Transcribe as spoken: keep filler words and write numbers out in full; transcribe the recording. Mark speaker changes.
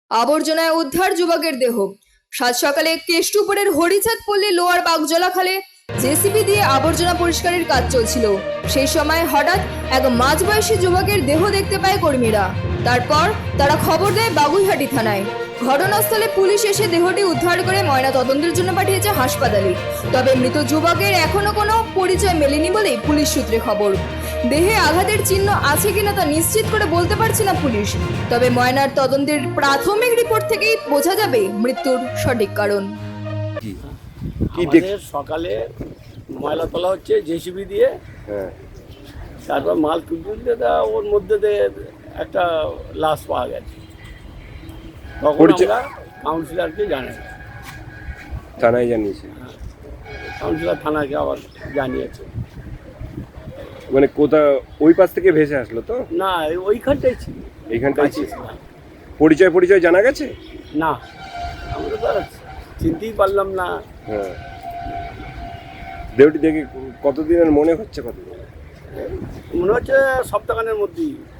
Speaker 1: আবর্জনায় উদ্ধার যুবকের দেহ। সাত সকালে কেষ্টুপুরের হরিচাঁদ পল্লী লোয়ার বাগজলা খালে জেসিবি দিয়ে আবর্জনা পরিষ্কারের কাজ চলছিল। সেই সময় হঠাৎ এক মাঝবয়সী যুবকের দেহ দেখতে পায় কর্মীরা। তারপর তারা খবর দেয় বাগুইহাটি থানায়। ঘটনাস্থলে পুলিশ এসে দেহটি উদ্ধার করে ময়না তদন্তের জন্য পাঠিয়েছে হাসপাতালে। তবে মৃত যুবকের এখনো কোনো পরিচয় মেলেনি বলেই পুলিশ সূত্রে খবর। দেহে আঘাতের চিহ্ন আছে কিনা তা নিশ্চিত করে বলতে পারছে না পুলিশ। তবে ময়নার তদন্তের প্রাথমিক রিপোর্ট থেকেই বোঝা যাবে মৃত্যুর সঠিক কারণ।
Speaker 2: কি
Speaker 3: আমাদের সকালে ময়লা তোলা হচ্ছে জেসিবি দিয়ে,
Speaker 2: হ্যাঁ
Speaker 3: তারপর মাল তুলতে তা ওর মধ্যে দিয়ে একটা লাশ পাওয়া গেছে। তখন
Speaker 2: পরিচয়-
Speaker 3: আমরা কাউন্সিলরকে জানাই,
Speaker 2: থানায় জানিয়েছে।
Speaker 3: কাউন্সিলর থানাকে আবার জানিয়েছে।
Speaker 2: মানে কোথা ওই পাশ থেকে ভেসে আসলো তো?
Speaker 3: না এই ওইখানটাই ছিল,
Speaker 2: এইখানটাই
Speaker 3: কাছে
Speaker 2: ছিল।
Speaker 3: ছিল।
Speaker 2: পরিচয় পরিচয় জানা গেছে?
Speaker 3: না আমরা তো আর চিনতেই পারলাম না।
Speaker 2: হ্যাঁ, দেহটি দেখে কতদিনের মনে হচ্ছে? কতদিন?
Speaker 3: মনে হচ্ছে সপ্তাহখানের মধ্যেই।